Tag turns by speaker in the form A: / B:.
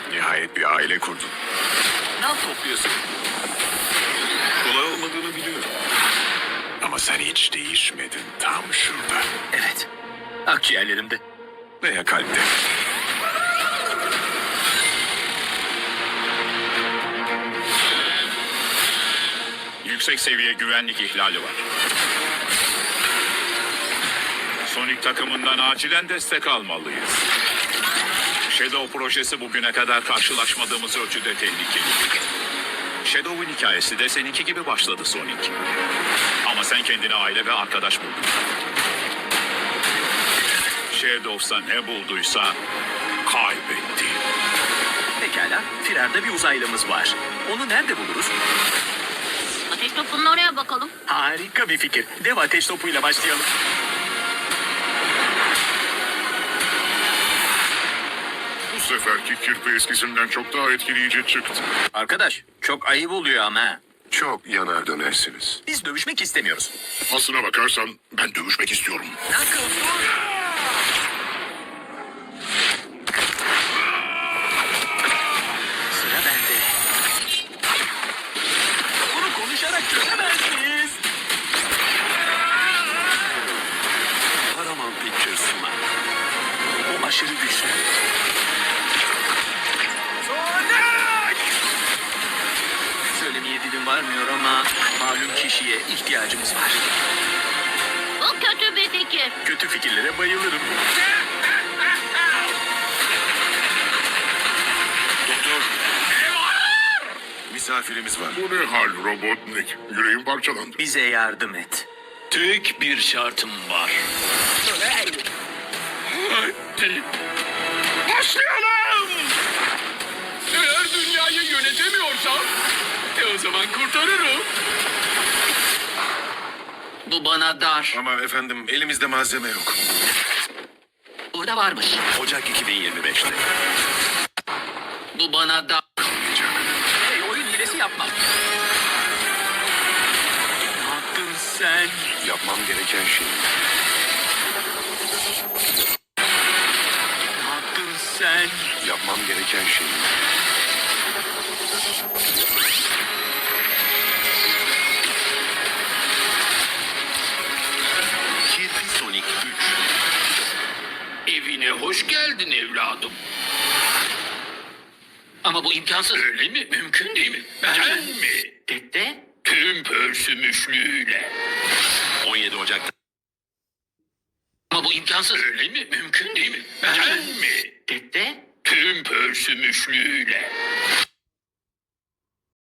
A: Nihayet bir aile kurdun.
B: Ne topluyorsun?
A: Kolay olmadığını biliyorum. Ama sen hiç değişmedin, tam şurada.
B: Evet. Akciğerlerimde.
A: Veya kalpte.
C: Yüksek seviye güvenlik ihlali var. Sonic takımından acilen destek almalıyız. Shadow projesi bugüne kadar karşılaşmadığımız ölçüde tehlikeli. Shadow'un hikayesi de seninki gibi başladı Sonic. Ama sen kendine aile ve arkadaş buldun. Shadow'sa ne bulduysa kaybetti.
B: Pekala. Firarda bir uzaylımız var. Onu nerede buluruz?
D: Ateş topunun oraya bakalım.
B: Harika bir fikir. Dev ateş topuyla başlayalım.
E: Bu seferki kirpi eskisinden çok daha etkileyici çıktı.
B: Arkadaş, çok ayıp oluyor ama.
A: Çok yanar dönersiniz.
B: Biz dövüşmek istemiyoruz.
E: Aslına bakarsan ben dövüşmek istiyorum.
B: Sıra bende. Bunu konuşarak çözemez miyiz?
A: Paramount Pictures sunar.
B: O aşırı güçlü. Söylemeye dilim varmıyor ama malum kişiye ihtiyacımız var.
D: Bu kötü bir fikir.
B: Kötü fikirlere bayılırım.
A: Doktor. Misafirimiz var.
E: Bu ne hal Robotnik? Yüreğim parçalandı.
B: Bize yardım et.
C: Tek bir şartım var. Hadi. Başlayalım! Eğer dünyayı yönetemiyorsam, o zaman kurtarırım. Bu bana dar.
A: Ama efendim elimizde malzeme yok.
C: Burada varmış.
A: Ocak 2025'te.
C: Bu bana dar.
B: Hey, oyun hilesi yapma. Ne yaptın sen?
A: Yapmam gereken şey.
B: Ne yaptın sen?
A: Yapmam gereken şey. Kirpi Sonic 3.
C: Evine hoş geldin evladım. Ama bu imkansız. Öyle mi? Mümkün değil mi? Ben mi?
B: Dede?
C: Tüm pörsümüşlüğüyle.
A: 17 Ocak'ta.
C: Ama bu imkansız. Öyle mi? Mümkün değil mi? Ben mi?
B: Dede?
C: Tüm pörsümüşlüğüyle.